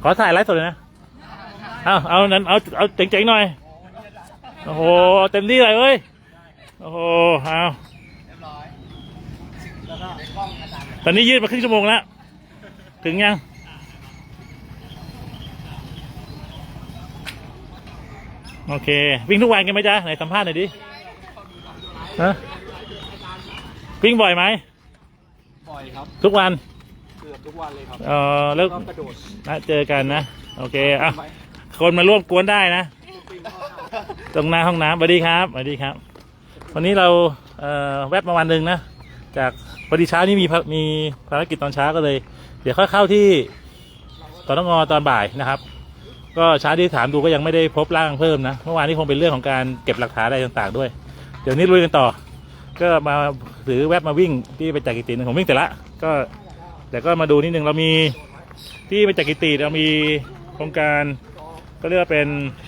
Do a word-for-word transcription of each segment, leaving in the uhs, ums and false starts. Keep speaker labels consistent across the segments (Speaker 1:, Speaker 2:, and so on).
Speaker 1: ขอถ่ายไลฟ์สดเลยนะเอาเอานั้นเอาเอาเจ๋งๆหน่อยโอ้โหเต็มที่เลยเว้ยโอ้โหเอาตอนนี้ยืดมาครึ่งชั่วโมงแล้วถึงยังโอเควิ่งทุกวันกันไหมจ๊ะไหนสัมภาษณ์หน่อยดิฮะวิ่งบ่อยไหม
Speaker 2: บ่อยครับ
Speaker 1: ทุกวัน
Speaker 2: เกือบทุกวันเลยครับ
Speaker 1: เออแล้วนะเจอกันนะโอเคอ่ะคนมาร่วมกวนได้นะตรงหน้าห้องน้ำสวัสดีครับสวัสดีครับวันนี้เราเอ่อแวบมาวันหนึ่งนะจากพอดีเช้านี้มีมีภารกิจตอนเช้าก็เลยเดี๋ยวค่อยเข้าที่ตอนงอตอนบ่ายนะครับก็เช้าที่ถามดูก็ยังไม่ได้พบร่างเพิ่มนะเมื่อวานนี้คงเป็นเรื่องของการเก็บหลักฐานอะไรต่างๆด้วยเดี๋ยวนี้ลุยกันต่อก็มาถือแวบมาวิ่งที่ไปจากกิติผมวิ่งแต่ละก็แต่ก็มาดูนิดนึงเรามีที่ไปจากกิติเรามีโครงการก็เรียกว่าเป็น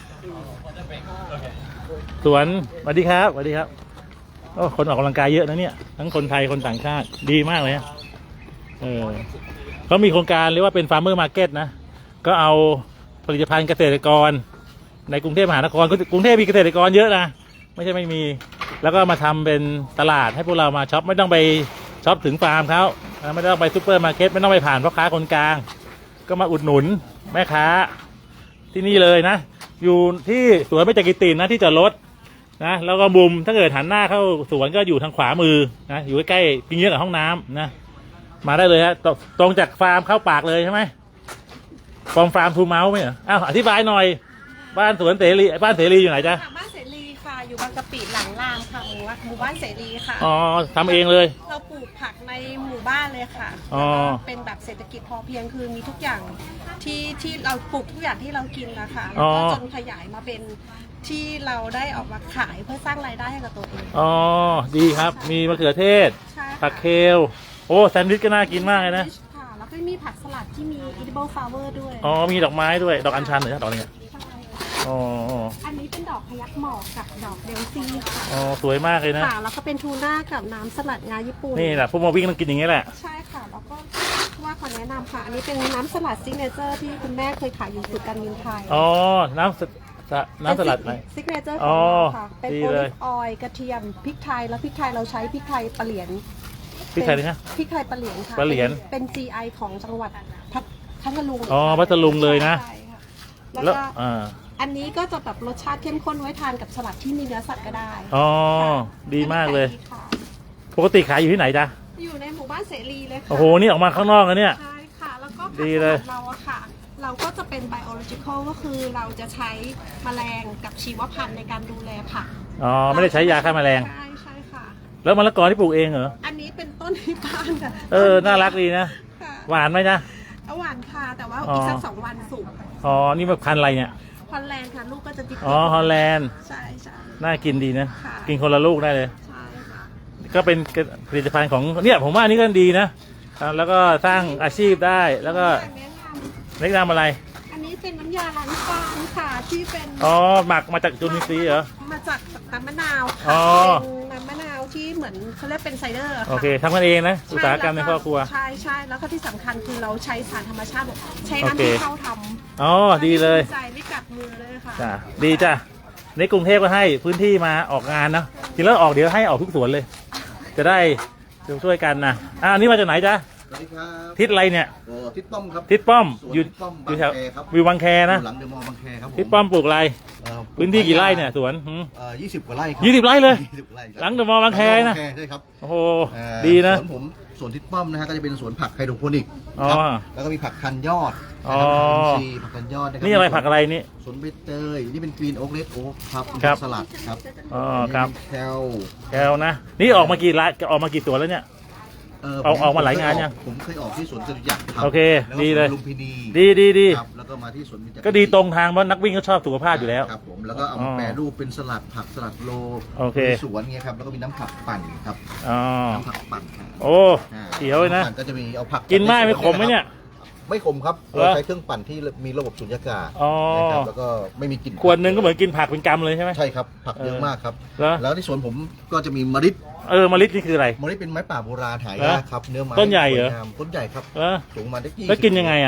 Speaker 1: สวนสวัสดีครับสวัสดีครับโอ้คนออกกำลังกายเยอะนะเนี่ยทั้งคนไทยคนต่างชาติดีมากเลยนะเออเขามีโครงการเรียกว่าเป็นฟาร์มเมอร์มาร์เก็ตนะก็เอาผลิตภัณฑ์เกษตรกรในกรุงเทพมหานครกรุงเทพมีเกษตรกรเยอะนะไม่ใช่ไม่มีแล้วก็มาทำเป็นตลาดให้พวกเรามาช็อปไม่ต้องไปช็อปถึงฟาร์มเขาไม่ต้องไปซูเปอร์มาร์เก็ตไม่ต้องไปผ่านพ่อค้าคนกลางก็มาอุดหนุนแม่ค้าที่นี่เลยนะอยู่ที่สวนเบญจกิตินะที่จอดรถนะแล้วก็มุมถ้าเกิดหันหน้าเข้าสวนก็อยู่ทางขวามือนะอยู่ใกล้ๆปิงเยอะกับห้องน้ำนะมาได้เลยฮะตรงจากฟาร์มเข้าปากเลยใช่ไหมฟอร์มฟาร์มทูเมาส์ไหมเหรออ้าวอธิบายหน่อยบ้านสวนเสรีบ้านเสรีอยู่ไหนจ๊ะ
Speaker 3: บ้านเสรีค่ะอยู่บางกะปิหลังรามค่ะหมู่บ้านเสรีค่ะ
Speaker 1: อ๋อทำเองเลย
Speaker 3: เราปลูกผักในหมู่บ้านเลยค่ะ
Speaker 1: อ๋อ
Speaker 3: เป็นแบบเศรษฐกิจพอเพียงคือมีทุกอย่างที่ที่เราปลูกทุกอย่างที่เรากินนะคะแล้วก็จนขยายมาเป็นที่เราได้ออกมาขายเพื่อสร้างรายได้ให้กับตัวเอง
Speaker 1: อ๋อดีครับมีมะเขือเทศผักเคลโอ้แซนด์วิชก็น่ากินมากเลยนะ
Speaker 3: ค่ะแล้วก็มีผักสลัดที่มี edible flower ด้วย
Speaker 1: อ๋อมีดอกไม้ด้วยดอกอัญชันหรือดอกอะไรอ๋อ
Speaker 3: อันนี้เป็นดอกพยัคฆ์หมอกกับดอกเดลซี่ค่ะ
Speaker 1: อ๋อสวยมากเลยนะ
Speaker 3: ค่ะแล้วก็เป็นทูน่ากับน้ำสลัดงาญี่ปุ่น
Speaker 1: นี่แหละพวกมาวิ่งต้องกินอย่างนี้แหละ
Speaker 3: ใช่ค่ะแล้วก็ว่าขอแนะนำค่ะอันนี้เป็นน้ำสลัดซิกเนเจอร์ที่คุณแม่เคยขายอยู่สุดการบินไทย
Speaker 1: อ๋อน้ำน้ำสลัดไหม
Speaker 3: ซิกเนเจอร์ของเราค่ะเป็นโอลิฟออยล์กระเทียมพริกไทยแล้วพริกไทยเราใช้พริกไทยปลาเหลียน
Speaker 1: พริกไทยเลยนะ
Speaker 3: พริกไทยปลาเหลียนค่ะ
Speaker 1: ปลาเหลียน
Speaker 3: เป็น จี ไอ ของจังหวัดพัทลุง
Speaker 1: อ๋อพัทลุงเลยนะ
Speaker 3: แล้วก็อันนี้ก็จะแบบรสชาติเข้มข้นไว้ทานกับสลัดที่มีเนื้อสัตว์ก็ได้
Speaker 1: อ๋อดีมากเลยปกติขายอยู่ที่ไหนจ๊ะ
Speaker 3: อยู่ในหมู่บ้านเสรีเลยค่ะ
Speaker 1: โอ้โหนี่ออกมาข้างนอกแล้วเนี่ย
Speaker 3: ใช่ค่ะแล้วก็
Speaker 1: ดีเลย
Speaker 3: เราอะค่ะเราก็จะเป็น biological ก็คือเราจะใช้แมลงกับชีวพันธุ์ในการดูแลผัก
Speaker 1: อ๋อไม่ได้ใช้ยาฆ่าแมลง
Speaker 3: ใช่ใช่ค่ะ
Speaker 1: แล้วมะละกอที่ปลูกเองเหรอ
Speaker 3: อันนี้เป็นต้นที่บ้านค่ะ
Speaker 1: เออน่ารักดีนะหวานไหมจ๊ะ
Speaker 3: หวานค่ะแต่ว่าอีกสักสองวันสุก
Speaker 1: อ๋อนี่มันพันธุ์อะไรเนี่ย
Speaker 3: ฮอลแลนด์ค่ะลูกก็จะติด
Speaker 1: อ๋อฮอลแลนด์
Speaker 3: ใช่ใช่
Speaker 1: น่ากินดีนะกินคนละลูกได้เลย
Speaker 3: ใช่ค่ะ
Speaker 1: ก็เป็นผลิตภัณฑ์ของเนี่ยผมว่านี่ก็ดีนะแล้วก็สร้างอาชีพได้แล้วก็แนะนำอะไร
Speaker 3: อันนี้เป็นน้ำยาล้างจานค่ะที่เป็น
Speaker 1: อ๋อหมักมาจากจุลินทรีย์เหรอ
Speaker 3: มาจากน้ำมะนาว
Speaker 1: อ๋อ
Speaker 3: เป็นน้ำมะนาวที่เหมือนเขาเรียกเป็นไซเดอร์
Speaker 1: โอเคทำกันเองนะอุตสาหกรรมในครอบครัว
Speaker 3: ใช่ใช่แล้วก็ที่สำคัญคือเราใช้สารธรรมชาติใช้น้ำที่เข้าทำ
Speaker 1: อ๋อดีเลย
Speaker 3: ใจไม่กัดมือเลยค่ะ
Speaker 1: จ้ะดีจ้ะในกรุงเทพก็ให้พื้นที่มาออกงานนะทีแล้วออกเดี๋ยวให้ออกทุกสวนเลยจะได้ช่วยกันนะอ่านี่มาจากไหนจ๊ะ
Speaker 4: สวัสดีครับ
Speaker 1: ทิศอะไรเนี่ย
Speaker 4: โอ้ทิศป้อมครับ
Speaker 1: ทิศป้อมอยู่
Speaker 4: อยู่แถว
Speaker 1: วิวบางแคนะ
Speaker 4: หลังเดอะมอลล์บางแคครับ
Speaker 1: ทิศป้อมปลูกอะไรพื้นที่กี่ไร่เนี่ยสวน
Speaker 4: เอ่อยี่สิบกว่าไร่ครับ
Speaker 1: ยี่สิบไร่เลยหลังเดอะมอลล์บางแคนะ
Speaker 4: ใช่ครับ
Speaker 1: โอ้โหดีนะ
Speaker 4: สวนผมสวนทิศป้อมนะฮะก็จะเป็นสวนผักไฮโดรโปนิก
Speaker 1: ครับ
Speaker 4: แล้วก็มีผักคันยอด
Speaker 1: อ๋อ
Speaker 4: ผักคันยอด
Speaker 1: นี่อะไรผักอะไรนี่
Speaker 4: สวนใบเตยนี่เป็นกรีนโอ๊กเลดโอ๊กครับสลัดครับ
Speaker 1: อ๋อครับ
Speaker 4: แคล
Speaker 1: แคลนะนี่ออกมากี่ไร่ออกมากี่สวนแล้วเนี่ยเอาออกมาหลายงานยัง
Speaker 4: ผมเคยออกที่สวนจตุจักรครับ
Speaker 1: โอเคดีเลย
Speaker 4: ลุมพินี
Speaker 1: ดีดีดี
Speaker 4: แล้วก็มาที่สวน
Speaker 1: ก็ดีตรงทางเพราะนักวิ่งเขาชอบสุขภาพอยู่แล้ว
Speaker 4: ครับผมแล้วก็เอามาแปรรูปเป็นสลัดผักสลัดโลสวนเงี้ยครับแล้วก็มีน้ำผักปั่นครับน้ำผักปั่น
Speaker 1: โอ้เขียวเลยนะ
Speaker 4: ก็จะมีเอาผัก
Speaker 1: กินมากไม่ขมไหมเนี่ย
Speaker 4: ไม่ขมครับเราใช้เครื่องปั่นที่มีระบบสุญญากาศนะครับแล้วก็ไม่มีกลิ่น
Speaker 1: ขวดนึงก็เหมือนกินผักเป็นกำเลยใช่ไหม
Speaker 4: ใช่ครับผักเยอะมากครับแล้วที่สวนผมก็จะมีมะลิ
Speaker 1: เออมะลินี่คืออะไร
Speaker 4: มะลิเป็นไม้ป่าโบราณหายากครับเนื้อไม้
Speaker 1: ต้นใหญ่เหรอ
Speaker 4: ต้นใหญ่ครับสูงมาได้กี่
Speaker 1: แล้วกินยังไงอ่ะ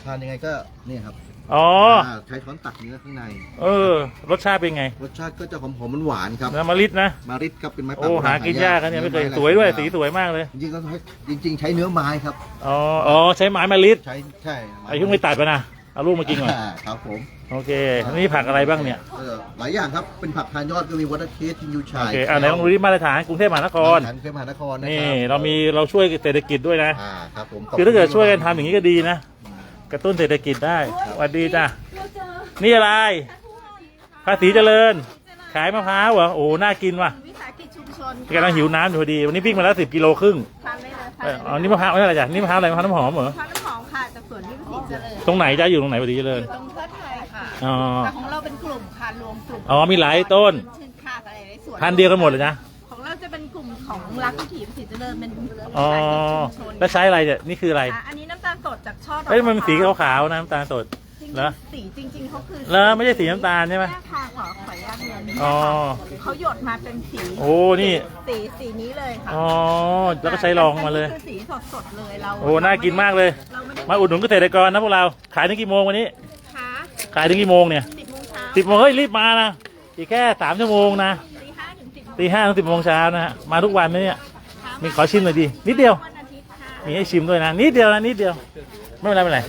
Speaker 4: ทานยังไงก็เนี่ยครับ
Speaker 1: อ๋อ
Speaker 4: าใช้ช้อนตักเนื้อข้างใน
Speaker 1: เออ รสชาติเป็นไง
Speaker 4: รสชาติก็จะหอมๆหวานๆครับ
Speaker 1: น้ำมะลินะ
Speaker 4: มาริดครับเป็นไม้
Speaker 1: โอ้หากินยากกันเนี่ยไม่เคย
Speaker 4: นื้อ
Speaker 1: สวยด้วย
Speaker 4: หลา
Speaker 1: สีสวยมากเลย
Speaker 4: จริงๆก็ใช้จริง ๆ ใช้เนื้อไม้ครับ
Speaker 1: อ๋ออ๋อใช้ไม้มะลิ
Speaker 4: ใช้ใช่
Speaker 1: ไอ้เพิ่งไม่ตัดไปนะเอาลูกมากินก่อน
Speaker 4: อ่าครับผม
Speaker 1: โอเคนี่ผักอะไรบ้างเนี่ย
Speaker 4: เออหลายอย่างครับเป็นผักทานยอดก็มีวอเตอร์เคสทินยู
Speaker 1: โอ
Speaker 4: ชาย
Speaker 1: เคอ่าไหนลองดูที่มาตรฐานกรุงเทพมหานคร
Speaker 4: ฐานกรุงเทพมหานครนะ
Speaker 1: นี่
Speaker 4: ครับ
Speaker 1: เรามีเราช่วยเศรษฐกิจด้วยนะ
Speaker 4: อ่าครับผม
Speaker 1: คือถ้าเกิดช่วยกันทำอย่างนี้ก็ดีนะ กระตุ้นเศรษฐกิจได้สวัสดีจ้ะนี่อะไรภาษีเจริญ ขายมะพร้าวเหรอโอ้น่ากินว่ะ
Speaker 3: วิสาหกิจชุมชน
Speaker 1: กำลังหิวน้ำอยู่พอดีวันนี้วิ่งมาแล้วสิบกิโลครึ่ง
Speaker 3: ทานได้เลย
Speaker 1: เอออ๋อนี่มะพร้าวไม่ใช่อะไรจ้ะนี่มะพร้าวอะไรมะพร้าวน้ำหอมเหรอ
Speaker 3: ทานน้ำหอมค่ะจากสวนที่ภาษีเจริญ
Speaker 1: ตรงไหนจ้ะอยู่ตรงไหนภาษีเจริญ
Speaker 3: อยู่ตรงเพื่อไทยค่ะ
Speaker 1: อ๋อ
Speaker 3: แต่ของเราเป็นกลุ่มค่ะรวมกลุ่ม
Speaker 1: อ๋อมีหลายต้น
Speaker 3: ชื่นค่าอะไรในสวน
Speaker 1: พันธุ์เดียวกันหมดเลยนะ
Speaker 3: ของเราจะเป็นกลุ่มของรักวิถีภาษีเจริญเป็นวิ
Speaker 1: อ๋อ
Speaker 3: สาหกิจชุมชน
Speaker 1: แล้วใช้อะไรเนี่ยนี่คืออะไร
Speaker 3: อ่ะอันนี้น้ำตาลสดจากช่อดอก
Speaker 1: เอ้ยมัน
Speaker 3: ะพร้าว
Speaker 1: สีขาวๆนะน้ำตาลสด
Speaker 3: จริง
Speaker 1: เหรอ
Speaker 3: ๆสีจริง ๆเขาคือ
Speaker 1: แล้วไม่ใช่สีน้ำตาลใช่ไหม
Speaker 3: แม่ค่ะขอขออนุญาตเรียน
Speaker 1: อ๋อ
Speaker 3: เขาหยดมาเป็นสี
Speaker 1: โอ้นี่
Speaker 3: สีสีนี้เลยค่ะ
Speaker 1: อ๋อแล้วก็ใช้รองมาเลย
Speaker 3: อันนี้คือสีสดๆเลยเรา
Speaker 1: โอ้น่ากินมากเลย
Speaker 3: เราไม่ได้
Speaker 1: มาอุดหนุนเกษตรกรนะพวกเราขายถึงกี่โมงวันนี้
Speaker 3: ค่ะ
Speaker 1: ขายถึงกี่โมงเนี่ย
Speaker 3: สิบโมงเช้า
Speaker 1: สิบโมงเฮ้ยรีบมานะอีกแค่สามชั่วโมงนะ
Speaker 3: ตีห้าถึงสิบ
Speaker 1: ตีห้าถึงสิบโมงเช้านะฮะมาทุกวันนะเนี่ยมีขอชิมหน่อยดินิดเดียว
Speaker 3: วันอาทิตย์ค่ะ
Speaker 1: มีให้ชิมด้วยนะนิดเดียวนะนิดเดียวไม่เป็นไรไม่เป็นไร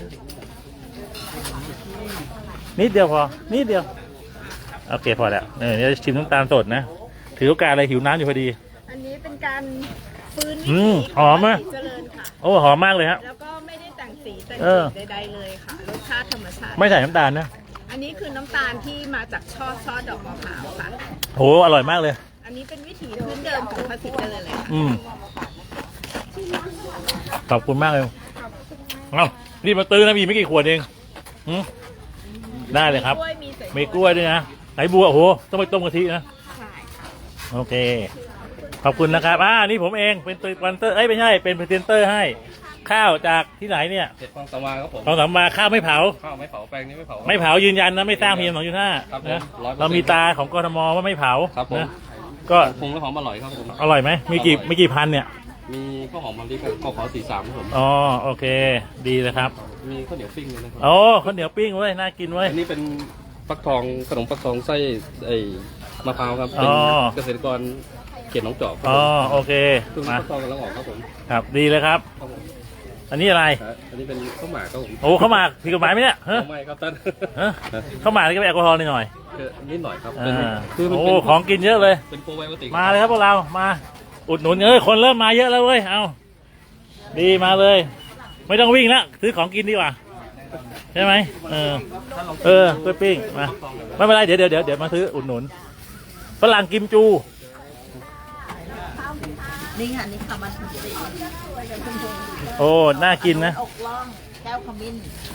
Speaker 1: นิดเดียวพอนิดเดียวโอเคพอแล้วเออเดี๋ยวชิมน้ำตาลสดนะถือโอกาสอะไรหิวน้ำอยู่พอดี
Speaker 3: อันนี้เป็นการฟื้น
Speaker 1: อื
Speaker 3: วิ
Speaker 1: ม
Speaker 3: ถี
Speaker 1: หอมไหม
Speaker 3: เจริญค่ะ
Speaker 1: โอ้หอมมากเลยฮะ
Speaker 3: แล้วก็ไม่ได้แต่งสีแต่ง
Speaker 1: เออ
Speaker 3: สีใดๆเลยค่ะรสชาติธรรมชาติ
Speaker 1: ไม่ใส่น้ำตาลนะ
Speaker 3: อันนี้คือน้ำตาลที่มาจากช่อช่อดอกมะพร้าวค่ะ
Speaker 1: โหอร่อยมากเลย
Speaker 3: อันนี้เป็นวิถีพื้นเดิมของภาษีเจริญเลยค่ะ
Speaker 1: อืมขอบคุณมากเลยเอานี่มาตื้อนะมีไม่กี่ขวดเองอืมได้เลยครับ
Speaker 3: กล้วยมีใส่
Speaker 1: มีกล้วยด้วยนะไหนบัวโอ้โหต้องไปต้มกะทินะ
Speaker 3: ใช่
Speaker 1: โอเค ขอบคุณนะครับอ่านี่ผมเองเป็นตัววันเตอร์เอ้ยไม่ใช่เป็นพรีเซนเตอร์ให้ข้าวจากที่ไหนเนี่ย
Speaker 2: เห็ดฟางสวาครับผม
Speaker 1: ของสามมาข้าวไม่เผา
Speaker 2: ข้าวไม่เผาแปลงนี้ไม่เผา
Speaker 1: ไม่เผายืนยันนะไม่สร้างพีเอ็มสองจุดห้า
Speaker 2: ครับผม
Speaker 1: นะ
Speaker 2: ร้อยเปอร์เซ็นต์
Speaker 1: เรามีตาของกทมว่าไม่เผา
Speaker 2: ครับผม
Speaker 1: นะก็
Speaker 2: ปรุงแล้วหอมอร่อยครับผม
Speaker 1: อร่อยไหมมีกี่มีกี่พันเนี่ย
Speaker 2: มีข้าวหอมมะลิกับข้าวขาวสีสามครับผม
Speaker 1: อ๋อโอเค ดีเลยครับ
Speaker 2: มีข้าวเหนียวปิ้งด้วยนะครับ
Speaker 1: โอ้ข้าวเหนียวปิ้งเว้ยน่ากินเว้ย
Speaker 2: อันนี้เป็นฟักทองขนมฟักทองไส้ไอ้มะพร้าวครับ
Speaker 1: อ๋
Speaker 2: เป็น
Speaker 1: อ
Speaker 2: เกษตรกรเขตหนองจอกครับ
Speaker 1: อ๋อ
Speaker 2: ผม
Speaker 1: โอเค
Speaker 2: ซึ่ง
Speaker 1: มา
Speaker 2: ฟักทองกำลังออกครับผม
Speaker 1: ครับดีเลยครับ
Speaker 2: ครับผม
Speaker 1: อันนี้อะไร
Speaker 2: ครับอันนี้เป็นข้าวหมากครับผม
Speaker 1: โอ้เข้าวหมากผิดกฎหมายไหมเนี่ยเฮ้ย
Speaker 2: ไม่ครับท่าน
Speaker 1: เฮ้ยข้าวหมากนี่ก็เป็นแอลกอฮอล์หน่อย
Speaker 2: เออนิดหน่อยครับ
Speaker 1: ๆ
Speaker 2: เป็น
Speaker 1: อ่า
Speaker 2: คือมัน
Speaker 1: โอ้
Speaker 2: เป็น
Speaker 1: ของกินเยอะเลย
Speaker 2: เป็นโปรไบโอติก
Speaker 1: มาเลยครับพวกเรามาอุดหนุนเอ้ยคนเริ่มมาเยอะแล้วเว้ยเอาดีมาเลย ไม่ต้องวิ่งแล้วซื้อของกินดีกว่าใช่ไหมเออเออกล้วยปิ้งมาไม่เป็นไรเดี๋ยวเดี๋ยวเดี๋ยวเดี๋ยวมาซื้ออุดหนุนฝรั่งกิมจู
Speaker 3: นี่ค่ะนี่ค่ะมันสี
Speaker 1: โอ้น่ากินนะ
Speaker 3: อกล่องแก้วขมิ้น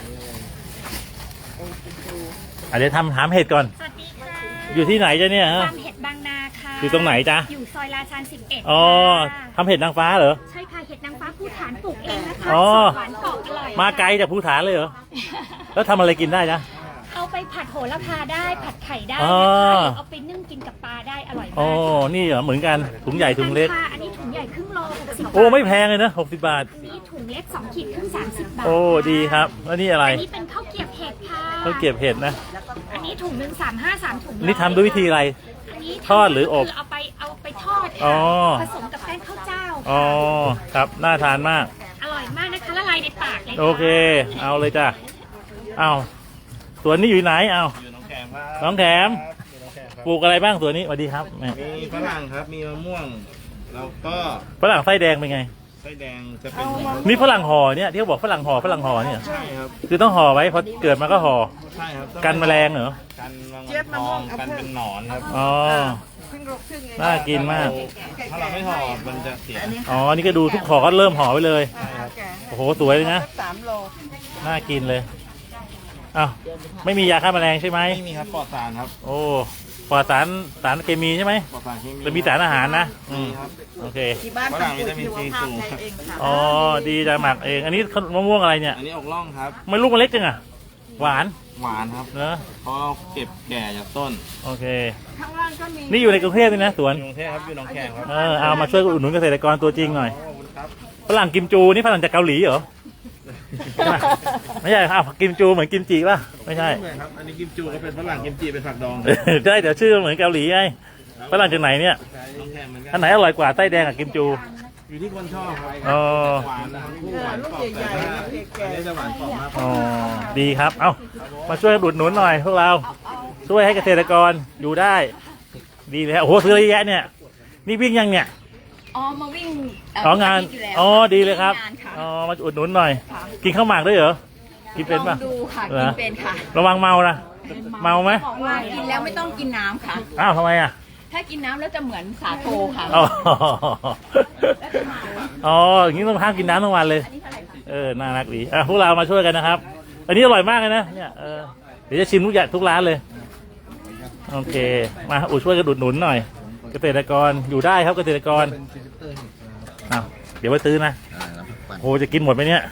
Speaker 1: อ่ะเดี๋ยวทำถามเห็ดก่อน
Speaker 5: สวัสดีค่ะ
Speaker 1: อยู่ที่ไหนจ้ะเนี่ยฮะ
Speaker 5: ฟาร์มเห็ดบางนาค่ะ
Speaker 1: อยู่ตรงไหนจ๊ะ
Speaker 5: อยู่ซอยราชาญสิบเอ็ด
Speaker 1: อ๋อทำเห็ดนางฟ้าเหรอ
Speaker 5: ใช่ค่ะ เห็ดนางฟ้าภูฐานปลูกเองนะคะ
Speaker 1: อ๋อ
Speaker 5: สดหวานกรอบอร่อย
Speaker 1: มาไกลจากภูฐานเลยเหรอแล้วทำอะไรกินได้จ๊ะ
Speaker 5: เอาไปผัดโหระพาได้ ผัดไข่ได้
Speaker 1: อ๋
Speaker 5: นะ
Speaker 1: อ
Speaker 5: คะหรือเอาไปนึ่งกินกับปลาได้อร่อย
Speaker 1: โอ้
Speaker 5: มาก
Speaker 1: นี่เหรอเหมือนกันถุงใหญ่ถุงเล็ก
Speaker 5: ค่ะอันนี้ถุงใหญ่ครึ่งโลหกสิบบาท
Speaker 1: โอ้ไม่แพงเลยนะหกสิบบาท
Speaker 5: อันนี้ถุงเล็กสองขีดครึ่งสามสิบบาท
Speaker 1: โอ้ดีครับแล้วนี่อะไร
Speaker 5: อันนี้เป็นข้าวเกรียบเห็ดค่ะ
Speaker 1: เขาเก็บเห็ดนะ
Speaker 5: อันนี้ถุงหนึ่งสามห้าสามถุง
Speaker 1: นี่ทำด้วยวิธีอะไร
Speaker 5: อันนี้
Speaker 1: ทอดหรืออบ
Speaker 5: คืเอาไปเอาไปทอด
Speaker 1: อ๋
Speaker 5: ค่ะ
Speaker 1: อ
Speaker 5: ผสมกับแป้งข้าวเจ้า
Speaker 1: อ๋อครับน่าทานมาก
Speaker 5: อร่อยมากนะคะละลายในปากเลยะ
Speaker 1: โอเค เอาเลยจ้ะเอาสวนนี้อยู่ไหนเอา
Speaker 6: อยู่หน้องแขมครับ
Speaker 1: น้องแถม
Speaker 6: อยู่หน้องแขมครับ
Speaker 1: ปลูกอะไรบ้างสวนนี้สวัสดีครับแม่
Speaker 6: มีฝรั่งครับ มีมะม่วง แล้วก็
Speaker 1: ฝรั่งไส้แดงเป็นไง
Speaker 6: ไส้แดงจะเป็น
Speaker 1: นี่ฝรั่งห่อเนี่ยที่เขาบอกฝรั่งห่อฝรั่งห่อเนี่ย
Speaker 6: ใช่ครับ
Speaker 1: คือต้องห่อไว้พอเกิดมาก็ห่อ
Speaker 6: ใช่ครับ
Speaker 1: กันแมลงเหรอ
Speaker 6: กันแมลงทองกันเป็นหนอนครับ
Speaker 1: อ๋อน่ากินมาก
Speaker 6: ถ้าเราไม่ห่อมันจะเสีย
Speaker 1: อ๋อนี่ก็ดูทุกห่อก็เริ่มห่อไว้เลยโอ้โหสวยเลยนะ
Speaker 3: สามโล
Speaker 1: น่ากินเลยอ้าวไม่มียาฆ่าแมลงใช่ไหม
Speaker 6: ไม่มีครับปลอดสารครับ
Speaker 1: โอ้ปลอดสารสารเคมีใช่ไหม
Speaker 6: ปลอดสารเคมี
Speaker 1: จะมีสารอาหารนะอื
Speaker 6: มี
Speaker 1: ม
Speaker 6: ครับ
Speaker 1: โอเค
Speaker 3: ที่บ้าน
Speaker 6: ฝรั่งวิตามินซีสูง
Speaker 3: เองค่ะ
Speaker 1: อ๋อดีจะหมักเอง อันนี้มะม่วงอะไรเนี่ย
Speaker 6: อันนี้อกล่องครับ
Speaker 1: ไม่ลูกมันเล็กจังอะหวาน
Speaker 6: หวานครับ
Speaker 1: เนอะ
Speaker 6: เพราะเราเก็บแก่จากต้น
Speaker 1: โอเค
Speaker 3: ข้างล่างก็มี
Speaker 1: นี่อยู่ในกรุงเทพนี่นะสวน
Speaker 6: อยู่กรุงเทพครับ อยู่หนองแขมครับ
Speaker 1: เออเอามาช่วยอุดหนุนเกษตรกรตัวจริงหน่อย
Speaker 6: ขอบคุณครับ
Speaker 1: ฝรั่งกิมจูนี่ฝรั่งจากเกาหลีเหรอใช่ไหมไม่ใช่อ้าวกิมจูเหมือนกิมจิป่ะไม่ใช่
Speaker 6: เหมือนครับ อันนี้กิมจูก็เป็นฝรั่งกิมจิเป็นผักดอง
Speaker 1: ใช่เดี๋ยวชื่อเหมือนเกาหลีไงฝรั่งจากไหนเนี่ย
Speaker 6: น้องแคมเหมือนกั
Speaker 1: อันไหนอร่อยกว่าไส้แดงกับกิมจู
Speaker 6: อยู่ที่คนชอบครับ
Speaker 1: อ๋อ
Speaker 6: หวานนะครับหวานกรอบแต่ว่าอันนี้จะหวานกรอบมากกว่า
Speaker 1: อ๋อดีครับเอ้ามาช่วยอุดหนุนหน่อยพวกเราช่วยให้เกษตรกรอยู่ได้ ดีเลยฮะโอ้โหซื้อเยอะแยะเนี่ยนี่วิ่งยังเนี่ย
Speaker 7: อ๋อ มาวิ่งเ
Speaker 1: อ๋องาน
Speaker 7: ทุกทิตย์ยู่แล้ว
Speaker 1: อ๋อดีเลยครับ
Speaker 7: งานค่ะ
Speaker 1: อ๋อมาอุดหนุนหน่อย กินข้าวหมากด้วยเหรอกินเป็น
Speaker 7: ล
Speaker 1: ป่ะ
Speaker 7: องดูค่ะ
Speaker 1: เหร
Speaker 7: กิ
Speaker 1: อ
Speaker 7: นเป็นค่ะ
Speaker 1: ระวังเมานะเมาไหม
Speaker 7: บอกว่ากินแล้วไม่ต้องกินน้ำค่ะ
Speaker 1: อ้าวทำไมอ่ะ
Speaker 7: ถ้ากินน้ำแล้วจะเหมือนสาโทค่ะ
Speaker 1: อ๋ออ๋ออย่างนี้ต้องห้ามกินน้ำทั้งวันเลย
Speaker 7: อันนี้เท่าไหร่คะ
Speaker 1: เออ น่ารักดี อ่ะ พวกเรามาช่วยกันนะครับ อันนี้อร่อยมากเลยนะ เนี่ย เออ เดี๋ยวจะชิมทุกอย่างทุกร้านเลย โอเค มาอุดช่วยกันอุดหนุนหน่อย เกษตรกร อยู่ได้ครับเกษตรกร
Speaker 4: เป็นพรีเซนเตอร์นี่ครับ
Speaker 1: อ้าวเดี๋ยวไปซื้อนะ
Speaker 4: อ่าน้ำผักปั่น
Speaker 1: โห จะกินหมดไหมเนี่ย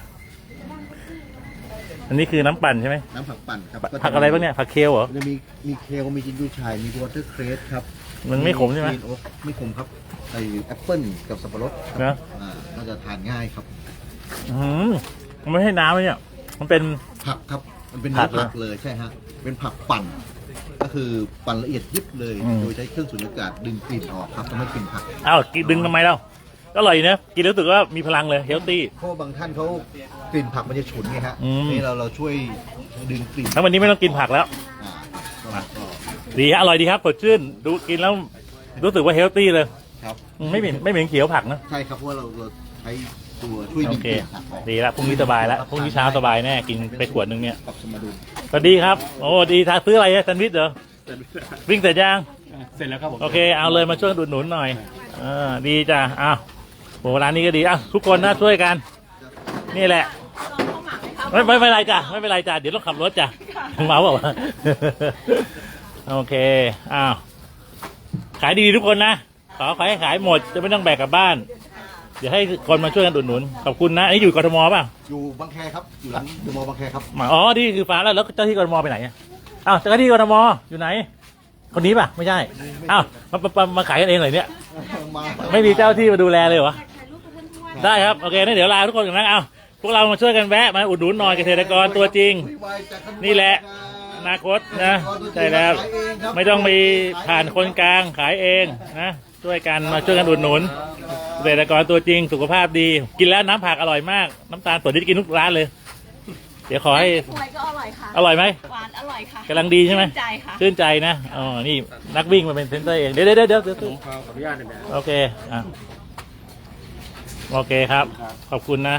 Speaker 1: อันนี้คือน้ำปั่นใช่ไหม
Speaker 4: น้ำผักปั่นครับ
Speaker 1: ผักอะไรบ้างเนี่ย ผักเคลเหรอ
Speaker 4: มันจะมีมีเคลมีจินจูชายมีวอเตอร์เครสครับ
Speaker 1: มันไม่ขมใช่ไหม
Speaker 4: กรีนโอ๊กไม่ขมครับไอแอปเปิ้ลกับสับปะรดครับ
Speaker 1: นะ
Speaker 4: อ่าน่าจะทานง่ายครับ
Speaker 1: อืมมันไม่ใช่น้ำเลยเนี่ย มันเป็น
Speaker 4: ผักครับมันเป็น
Speaker 1: ผั
Speaker 4: เนื้
Speaker 1: ก
Speaker 4: อ
Speaker 1: เหรอ
Speaker 4: ผักเลยใช่ฮะเป็นผักปั่น ก็คือปั่นละเอียดยิบเลย
Speaker 1: อืม
Speaker 4: โดยใช้เครื่องสูญญากาศดึงกลิ่นออกครับทำให้กลิ่นผัก
Speaker 1: อ้าวกินดึงทำไมเล่าก็อร่อยนะ กินแล้วรู้สึกว่ามีพลังเลย เฮลตี้
Speaker 4: เพราะว่าบางท่านเขากลิ่นผักมันจะฉุนไงฮะ
Speaker 1: อืม
Speaker 4: นี่เราเราช่วยดึงกลิ่น
Speaker 1: ทั้งวันนี้ไม่ต้องกินผักแล้ว
Speaker 4: อ่าครับก็ก็
Speaker 1: ดีฮะอร่อยดีครับสดชื่น ดูกินแล้วรู้สึกว่าเฮลตี้เลย
Speaker 4: ครับ
Speaker 1: ไม่เหม็นไม่เหม็นเขียวผักนะ
Speaker 4: ใช่ครับเพราะว่าเราเราใช้ตัวช่วย
Speaker 1: โอ
Speaker 4: ดึง
Speaker 1: เค
Speaker 4: กลิ่นผักออก
Speaker 1: ดีละพรุ่งนี้สบายแล้วพรุ่งนี้เช้าสบายแน่กินไปขวดหนึงเนี่ย
Speaker 4: ปรับสมดุล
Speaker 1: ก็ดีครับโอ้ดีทาซื้ออะไรอะแซนด์วิชเหรอวิ่งเสร็จยัง
Speaker 6: เสร็จแล้วครับผม
Speaker 1: โอเคเอาเลยมาช่วยอุดหนุนหน่อยเออดีจ้ะอ้าวโหร้านนี้ก็ดีอ่ะทุกคนนะช่วยกัน นี่แหละไม่ไม่ไม่เป็นไรจ้ะไม่เป็นไรจ้ะเดี๋ยวต้องขับรถจ้ะเมาเปล่าวะ โอเคอ้าวขายดีทุกคนนะขอขอให้ขายหมดจะไม่ต้องแบกกลับบ้าน เดี๋ยวให้คนมาช่วยกันอุดหนุนขอบคุณนะอันนี้อยู่กทมป่ะ
Speaker 4: อยู่บางแคครับอยู่หลังเดอะมอลล์บางแคครับ
Speaker 1: หมาอ๋อนี่คือฟ้าแล้วแล้วเจ้าที่กทมไปไหนอะอ้าวเจ้าที่กทมอยู่ไหน คนนี้ป่ะไม่ใช่อ้าวมามามามาขายกันเองเลยเนี่ย
Speaker 4: มา
Speaker 1: ไม่มีเจ้าที่มาดูแลเลยเหรอได้ครับโอเคงั้นเดี๋ยวลาทุกคนกันนะเอาพวกเรามาช่วยกันแวะมาอุดหนุนหน่อยเกษตรกรตัวจริง นี่แหละอนาคตนะใช่แล้วไม่ต้องมีผ่านคนกลางขายเองนะช่วยกันมาช่วยกันอุดหนุนเกษตรกรตัวจริงสุขภาพดี กินแล้วน้ำผักอร่อยมากน้ำตาลสดที่กินทุกร้านเลย เดี๋ยวขอให้
Speaker 7: กล้วยก็อร่อยค่ะ
Speaker 1: อร่อยไหม
Speaker 7: หวานอร่อยค่ะ
Speaker 1: กำลังดีใช่ไหม
Speaker 7: ชื่นใจค่ะ
Speaker 1: ชื่นใจนะอ๋อนี่นักวิ่งมาเป็นเซนเตอร์เองเดี๋ยวเดี๋ยวเดี๋ยวเดี๋ยว
Speaker 6: ผมขออนุญาตหน่อยนะ
Speaker 1: โอเคอ่ะโอเคครับ ขอบคุณนะ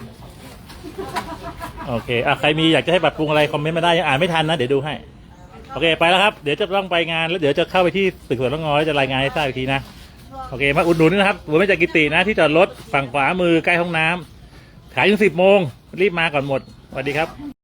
Speaker 1: โอเคอ่ะใครมีอยากจะให้ปรับปรุงอะไรคอมเมนต์มาได้ยังอ่านไม่ทันนะเดี๋ยวดูให้ โอเคไปแล้วครับ เดี๋ยวจะต้องไปงานแล้วเดี๋ยวจะเข้าไปที่ตึกสวนละงอแล้วจะรายงานให้ทราบอีกทีนะ โอเคมาอุดหนุนนะครับหัวไม่จากกิตินะที่จอดรถฝั่งขวามือใกล้ห้องน้ำขายถึงสิบโมงรีบมาก่อนหมดสวัสดีครับ